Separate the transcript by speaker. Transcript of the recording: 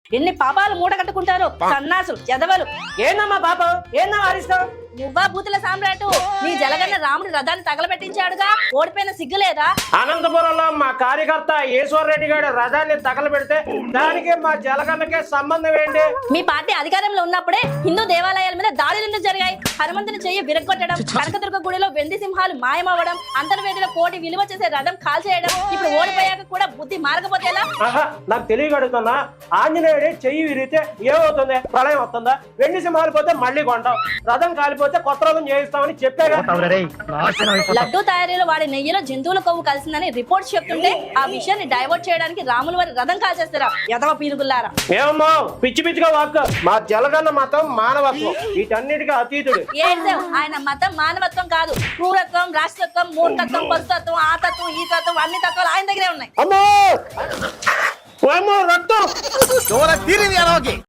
Speaker 1: ఎన్ని పాపాలు మూట కట్టుకుంటారు సన్నాసులు ఎదవలు.
Speaker 2: ఏందమ్మా పాపం, ఏందమ్మా అరిస్తావు?
Speaker 1: నువ్వా బూతుల సామ్రాటు, నీ జలగన్న రాముడి రథాన్ని తగలబెట్టించాడుగా, ఓడిపోయిన సిగ్గులేదా?
Speaker 2: అనంతపురంలో మా కార్యకర్త ఈశ్వర్ రెడ్డి గారి రథాన్ని తగలబెడితే దానికి మా జలగన్నకే సంబంధం ఏంటి?
Speaker 1: మీ పార్టీ అధికారంలో ఉన్నప్పుడే హిందూ దేవాలయాల మీద దాడులు ఎందుకు జరిగాయి? హనుమంతుని చెయ్యి విరగొట్టడం, కనకదుర్గ గుడిలో వెండి సింహాలు మాయమవ్వడం, అంతర్వేదిలో కోటి విలువ చేసే రథం కాల్చేయడం, ఇప్పుడు ఓడిపోయాక కూడా బుద్ధి మారకపోతే ఎలా?
Speaker 2: ఆహా, నాకు తెలియగడుగుతున్నా. ఆంజనేయుడి చెయ్యి విరిగితే ఏమవుతుంది? ప్రళయం వస్తుందా? వెండి సింహాలు పోతే మళ్ళీ కొంటాం, రథం కాలిపోతే కొత్త రథం చేయిస్తామని చెప్పాగా.
Speaker 1: లడ్డూ తయారీలో వాడి నెయ్యిలో జంతువుల కొవ్వు కలిసిందని రిపోర్ట్స్ చెప్తుంటే ఆ విషయాన్ని డైవర్ట్ చేయడానికి రాముల వారి రథం కాల్చేస్తారా యదవ పీనుగుల్లారా?
Speaker 2: ఏమమ్మా పిచ్చి పిచ్చిగా వాక్. మా జలగన్న మతం మానవత్వం, వీటన్నిటికీ అతీతుడు.
Speaker 1: ఏడ్చావు, ఆయన మతం మానవత్వం కాదు, క్రూరత్వం, రాష్ట్రత్వం, మూర్ఖత్వం, పశుతత్వం, ఆ తత్వం, ఈ తత్వం, అన్ని తత్వాలు ఆయన దగ్గరే ఉన్నాయి.
Speaker 2: అమ్మో రక్తం.